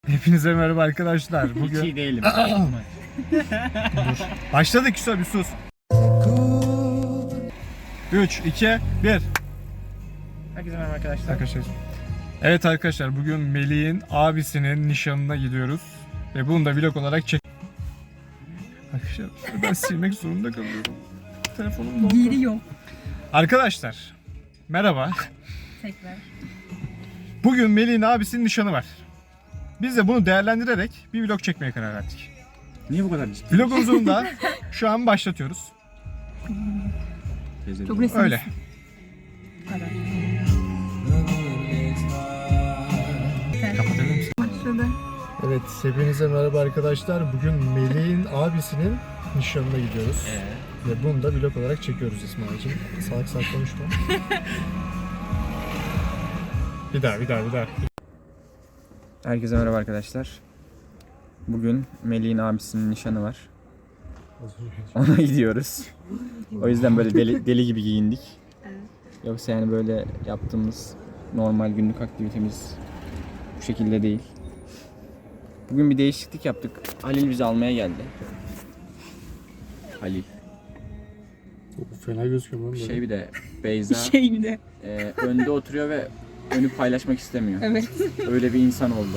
Hepinize merhaba arkadaşlar. Hiç iyi değilim. Başladık Yusuf, bir sus. 3, 2, 1. Herkese merhaba arkadaşlar. Arkadaşlar. Evet arkadaşlar, bugün Melih'in abisinin nişanına gidiyoruz. Ve bunu da vlog olarak çek... Arkadaşlar ben silmek zorunda kalıyorum. Telefonum dondu. Giriyor. Arkadaşlar merhaba. Tekrar. Bugün Melih'in abisinin nişanı var. Biz de bunu değerlendirerek bir vlog çekmeye karar verdik. Niye bu kadar ciddi? Vlogumuzu da şu an başlatıyoruz. Çok resim. Öyle. Kapatabilir misin? Başladı. Evet, hepinize merhaba arkadaşlar. Bugün Melih'in abisinin nişanına gidiyoruz. Ve bunu da vlog olarak çekiyoruz İsmail'cim. Salak salak konuşma. Bir daha. Herkese merhaba arkadaşlar. Bugün Melih'in abisinin nişanı var. Ona gidiyoruz. O yüzden böyle deli gibi giyindik. Yoksa yani böyle yaptığımız normal günlük aktivitemiz bu şekilde değil. Bugün bir değişiklik yaptık. Halil bizi almaya geldi. Halil. Fena gözüküyor lan böyle. Bir de Beyza Bir de. önde oturuyor ve önü paylaşmak istemiyor. Evet. Öyle bir insan oldu.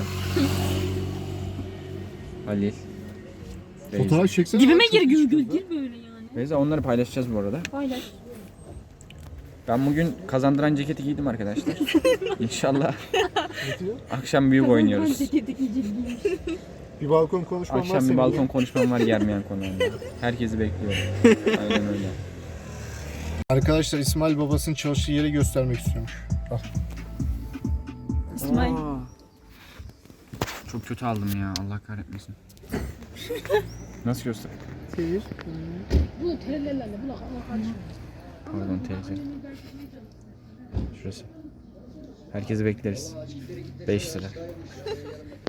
Halil. Beyza. Fotoğraf çeksene. Dibime gir gül böyle yani. Beyza, onları paylaşacağız bu arada. Paylaş. Ben bugün kazandıran ceketi giydim arkadaşlar. İnşallah akşam büyük oynuyoruz. Bir balkon konuşmam var Akşam bir senin. balkon konuşmam var Germeyen konuğunda. Herkesi bekliyorum. Aynen öyle. Arkadaşlar İsmail babasının çalıştığı yeri göstermek istiyormuş. Al. İsmail. Çok kötü aldım ya, Allah kahretmesin. Nasıl göster? Pardon, teyze. Şurası. Herkesi bekleriz. 5 lira.